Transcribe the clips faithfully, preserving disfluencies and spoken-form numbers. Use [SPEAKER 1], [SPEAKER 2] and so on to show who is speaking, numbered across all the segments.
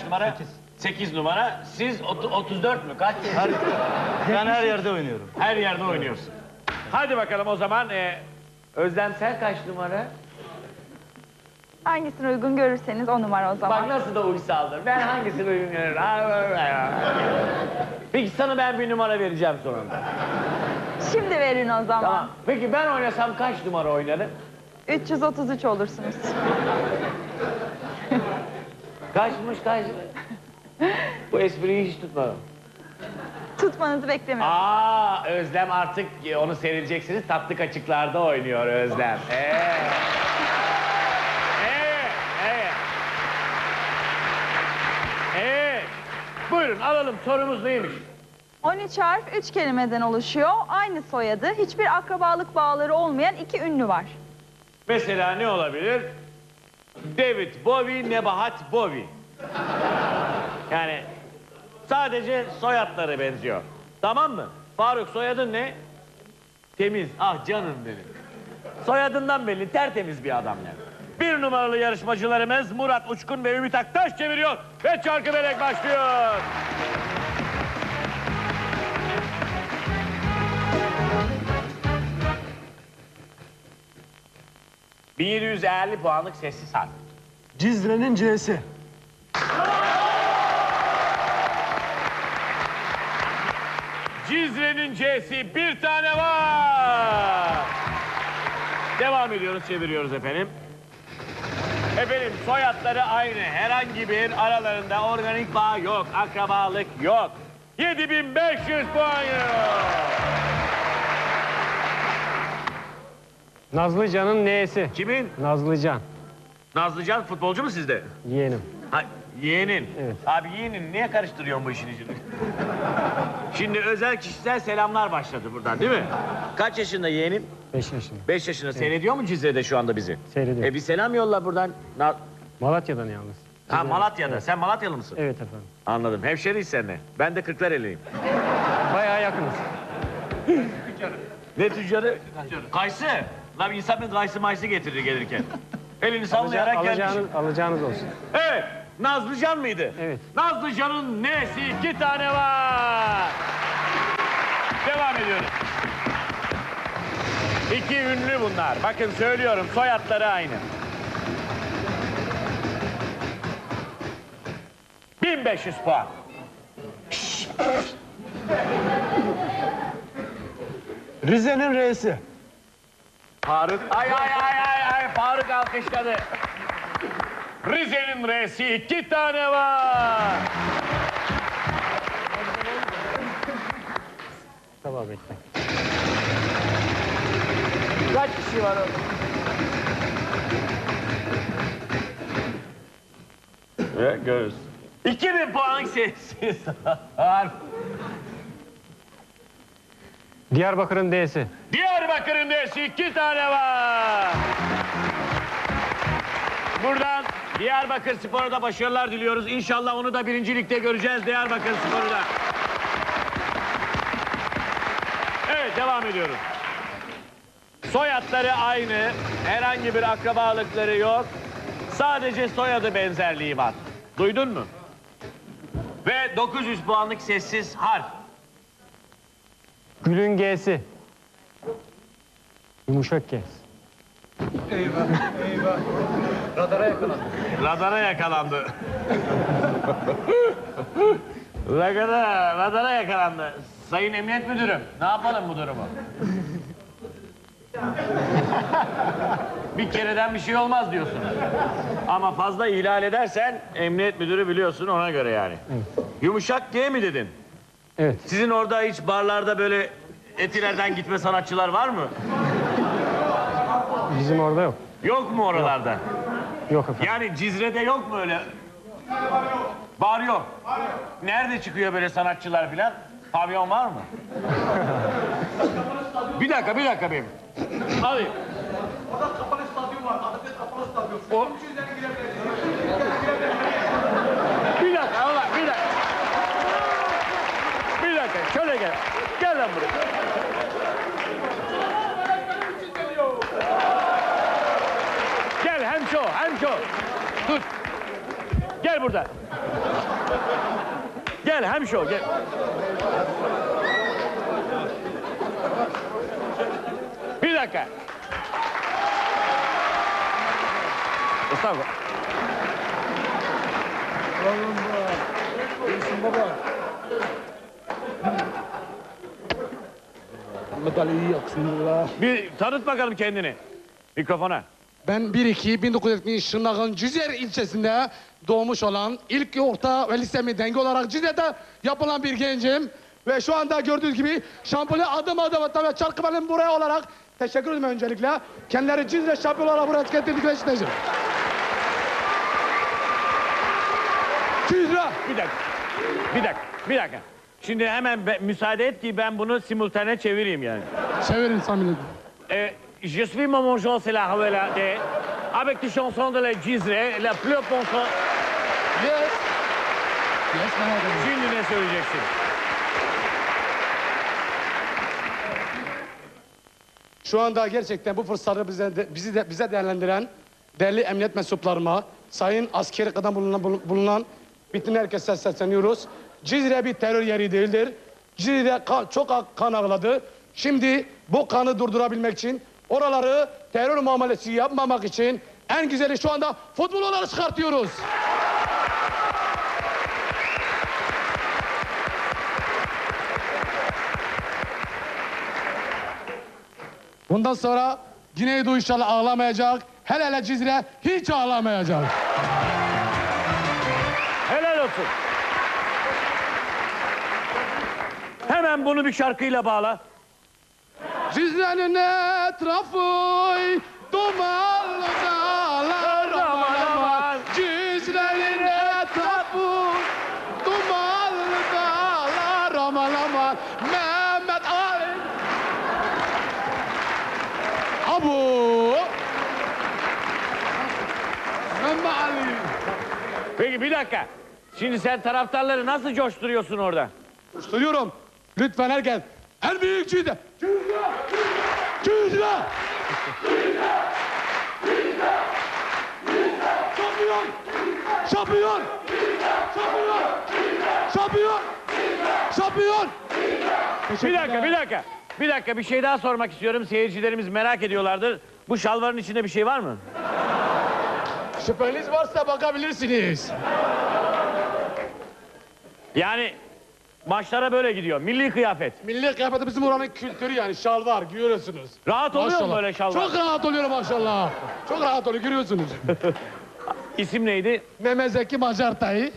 [SPEAKER 1] numara? Sekiz. Sekiz numara. Siz otuz dört mü? Kaç?
[SPEAKER 2] Her, ben her yerde oynuyorum.
[SPEAKER 1] Her yerde oynuyorsun. Hadi bakalım o zaman. E, Özlem sen kaç numara?
[SPEAKER 3] Hangisini uygun görürseniz o numara o zaman.
[SPEAKER 1] Bak nasıl da uysaldır. Ben hangisini uygun görürüm? Peki sana ben bir numara vereceğim sonunda.
[SPEAKER 3] Şimdi verin o zaman.
[SPEAKER 1] Tamam. Peki ben oynasam kaç numara oynarım?
[SPEAKER 3] üç yüz otuz üç olursunuz.
[SPEAKER 1] Kaçmış kaç? Bu espriyi hiç tutmadım.
[SPEAKER 3] Tutmanızı beklemiyorum.
[SPEAKER 1] Aa, Özlem artık onu seyredeceksiniz. Tatlı Kaçıklar'da oynuyor Özlem. Evet. Evet, evet. Evet. Buyurun alalım. Sorumuz neymiş?
[SPEAKER 3] on üç harf üç kelimeden oluşuyor. Aynı soyadı, hiçbir akrabalık bağları olmayan iki ünlü var.
[SPEAKER 1] Mesela ne olabilir? David Bowie, Nebahat Bowie. Yani sadece soyadları benziyor. Tamam mı? Faruk soyadın ne? Temiz. Ah canım benim. Soyadından belli tertemiz bir adam yani. Bir numaralı yarışmacılarımız Murat Uçkun ve Ümit Aktaş çeviriyor. Ve Çarkı Felek başlıyor. bin yedi yüz elli puanlık sessiz harf.
[SPEAKER 2] Cizre'nin C'si.
[SPEAKER 1] Cizre'nin C'si bir tane var. Devam ediyoruz, çeviriyoruz efendim. Efendim soyadları aynı. Herhangi bir aralarında organik bağ yok, akrabalık yok. yedi bin beş yüz puan.
[SPEAKER 4] Nazlıcan'ın neyesi?
[SPEAKER 1] Kimin?
[SPEAKER 4] Nazlıcan.
[SPEAKER 1] Nazlıcan futbolcu mu sizde?
[SPEAKER 4] Yeğenim.
[SPEAKER 1] Ha, yeğenin.
[SPEAKER 4] Evet.
[SPEAKER 1] Abi yeğenin niye karıştırıyorsun bu işin içini? Şimdi özel kişisel selamlar başladı buradan değil mi? Kaç yaşında yeğenin?
[SPEAKER 4] Beş yaşında.
[SPEAKER 1] Beş yaşında. Seyrediyor mu Cizre'de şu anda bizi?
[SPEAKER 4] Seyrediyor.
[SPEAKER 1] E bir selam yolla buradan. Na-
[SPEAKER 4] Malatya'dan yalnız.
[SPEAKER 1] ha Malatya'da.
[SPEAKER 4] Evet.
[SPEAKER 1] Sen Malatyalı mısın?
[SPEAKER 4] Evet efendim.
[SPEAKER 1] Anladım. Hemşeriyiz seninle. Ben de Kırklareli'yim.
[SPEAKER 4] Bayağı yakınız.
[SPEAKER 1] Ne tüccarı? Kayısı. Lan insan bir kayısı mayısı getirir gelirken. Elini sallayarak gelmiş.
[SPEAKER 4] alacağınız, alacağınız olsun.
[SPEAKER 1] Evet. Nazlıcan mıydı?
[SPEAKER 4] Evet.
[SPEAKER 1] Nazlıcan'ın nesi iki tane var. Devam ediyoruz. İki ünlü bunlar. Bakın söylüyorum soyadları aynı. bin beş yüz puan.
[SPEAKER 2] Rize'nin R'si.
[SPEAKER 1] Faruk. Ay ay ay ay ay Faruk alkışladı. Rize'nin R'si iki tane var.
[SPEAKER 4] Tamam bekle.
[SPEAKER 1] Kaç kişi var orada? Evet görürüz. iki bin puanlık sessiz harf.
[SPEAKER 4] Diyarbakır'ın D'si.
[SPEAKER 1] Diyarbakır'ın D'si iki tane var. Buradan Diyarbakır Spor'a da başarılar diliyoruz. İnşallah onu da birincilikte göreceğiz Diyarbakır Spor'u da. Evet devam ediyoruz. Soyadları aynı. Herhangi bir akrabalıkları yok. Sadece soyadı benzerliği var. Duydun mu? Ve dokuz yüz puanlık sessiz harf.
[SPEAKER 4] Gül'ün G'si. Yumuşak G.
[SPEAKER 1] Radara yakalandı. Radara, radara yakalandı. Sayın Emniyet Müdürüm, ne yapalım bu durumu? Bir kereden bir şey olmaz diyorsun. Ama fazla ihlal edersen Emniyet Müdürü biliyorsun ona göre yani.
[SPEAKER 4] Evet.
[SPEAKER 1] Yumuşak G mi dedin?
[SPEAKER 4] Evet.
[SPEAKER 1] Sizin orada hiç barlarda böyle etilerden gitme sanatçılar var mı?
[SPEAKER 4] Bizim orada yok.
[SPEAKER 1] Yok mu oralarda?
[SPEAKER 4] Yok efendim.
[SPEAKER 1] Yani Cizre'de yok mu öyle? Bar yok. Nerede çıkıyor böyle sanatçılar filan? Pavyon var mı? Bir dakika, bir dakika benim. Alayım.
[SPEAKER 5] Orada kapalı stadyum var. Atatürk kapalı stadyum.
[SPEAKER 1] O... Bir dakika, Allah, bir dakika. Bir dakika, şöyle gel. Gel lan buraya. Gel hemşo, hemşo. Tut. Gel burada. Gel hemşo gel. Bir dakika. Estağfurullah.
[SPEAKER 5] Medalyeyi yaksınlar.
[SPEAKER 1] Bir tanıt bakalım kendini. Mikrofona.
[SPEAKER 5] Ben bir iki bin dokuz yüz yetmiş Şırnak'ın Cüzer ilçesinde doğmuş olan ilk orta ve lisemi denge olarak Cizre'de yapılan bir gencim. Ve şu anda gördüğünüz gibi şampiyonu adım adım tabii Çarkıbel'in buraya olarak teşekkür ederim öncelikle. Kendileri Cizre şampiyonu olarak buraya getirdik ve isteyeceğim. Cizre!
[SPEAKER 1] Bir dakika. Bir dakika. Bir dakika. Şimdi hemen be- müsaade et ki ben bunu simultane çevireyim yani.
[SPEAKER 5] Severim samimi.
[SPEAKER 1] Euh, je suis Maman Jean, c'est la Havela de, avec des chansons de la Cizre, la plus pensante.
[SPEAKER 5] Yes. Yes, merak etme.
[SPEAKER 1] Şimdi ne söyleyeceksin?
[SPEAKER 5] Şu anda gerçekten bu fırsatı bize, de, bizi de, bize değerlendiren değerli emniyet mensuplarıma, sayın askeri kadın bulunan, bulunan bütün herkese sesleniyoruz. Cizre bir terör yeri değildir. Cizre kan, çok kan ağladı. Şimdi bu kanı durdurabilmek için, oraları terör muamelesi yapmamak için en güzeli şu anda futbol olarak çıkartıyoruz. Bundan sonra Güneydoğu inşallah ağlamayacak. Hele hele Cizre hiç ağlamayacak.
[SPEAKER 1] Helal olsun. Hemen bunu bir şarkıyla bağla.
[SPEAKER 5] Cizre'nin etrafı dumanlı dağlar aman aman. Cizre'nin etrafı dumanlı dağlar aman aman. Mehmet Ali. Abu. Mehmet Ali.
[SPEAKER 1] Peki bir dakika. Şimdi sen taraftarları nasıl coşturuyorsun orada?
[SPEAKER 5] Soruyorum. Lütfen herkes. En büyük Cizre. Cizre. Cizre. Şampiyon. Şampiyon. Şampiyon. Şampiyon. Şampiyon.
[SPEAKER 1] Bir dakika, bir dakika. Bir dakika, bir şey daha sormak istiyorum. Seyircilerimiz merak ediyorlardır. Bu şalvarın içinde bir şey var mı?
[SPEAKER 5] Şüpheniz varsa bakabilirsiniz.
[SPEAKER 1] Yani maçlara böyle gidiyor. Milli kıyafet.
[SPEAKER 5] Milli kıyafeti bizim oranın kültürü yani şalvar görüyorsunuz.
[SPEAKER 1] Rahat oluyor mu
[SPEAKER 5] Maşallah.
[SPEAKER 1] böyle şalvar?
[SPEAKER 5] Çok rahat oluyor maşallah. Çok rahat oluyor görüyorsunuz.
[SPEAKER 1] İsim neydi?
[SPEAKER 5] Mehmet Zeki Macartay.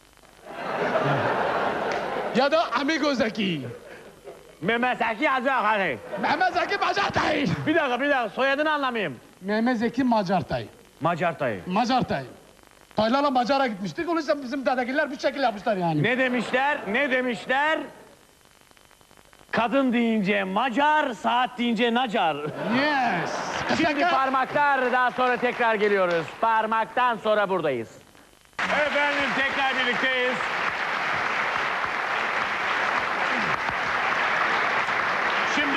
[SPEAKER 5] Ya da Amigo Zeki.
[SPEAKER 1] Mehmet Zeki Azakari.
[SPEAKER 5] Mehmet Zeki Macartay.
[SPEAKER 1] Bir dakika, bir dakika. Soyadını anlamayayım.
[SPEAKER 5] Mehmet Zeki Macartay.
[SPEAKER 1] Macar Tayı.
[SPEAKER 5] Macartay. Taylarla Macar'a gitmiştik. Onun için bizim dedekiler bir şekil yapmışlar yani.
[SPEAKER 1] Ne demişler? Ne demişler? Kadın deyince Macar, saat deyince Nacar.
[SPEAKER 5] Yes.
[SPEAKER 1] Şimdi parmaklar, daha sonra tekrar geliyoruz. Parmaktan sonra buradayız. Efendim tekrar birlikteyiz. Şimdi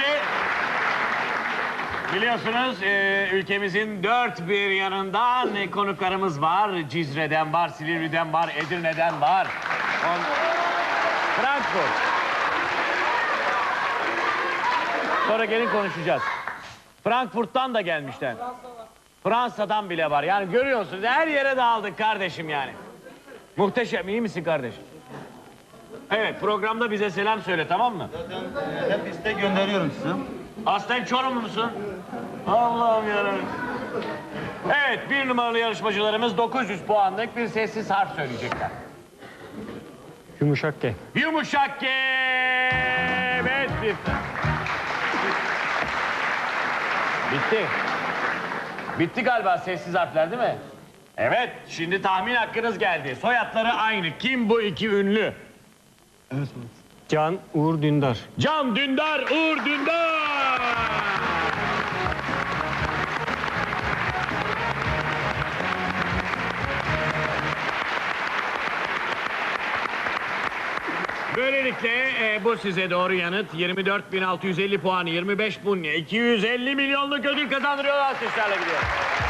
[SPEAKER 1] biliyorsunuz e, ülkemizin dört bir yanından e, konuklarımız var. Cizre'den var, Silivri'den var, Edirne'den var. On... Frankfurt. Sonra gelin konuşacağız. Frankfurt'tan da gelmişler. Fransa'dan bile var. Yani görüyorsunuz her yere dağıldık kardeşim yani. Muhteşem. İyi misin kardeşim? Evet, programda bize selam söyle, tamam mı?
[SPEAKER 2] Hep istek gönderiyorum size.
[SPEAKER 1] Aslen Çorumlusun. Allah'ım yarabbim. Evet, bir numaralı yarışmacılarımız dokuz yüz puanlık bir sessiz harf söyleyecekler.
[SPEAKER 4] Yumuşak G.
[SPEAKER 1] Yumuşak G. Evet, bitti. Bitti. Bitti galiba sessiz harfler değil mi? Evet, şimdi tahmin hakkınız geldi. Soyadları aynı. Kim bu iki ünlü?
[SPEAKER 4] Can Uğur Dündar.
[SPEAKER 1] Can Dündar, Uğur Dündar. Böylelikle e, bu size doğru yanıt. yirmi dört bin altı yüz elli puan, yirmi beş bin iki yüz elli milyonluk ödül kazandırıyor. Alkışlarla gidiyor.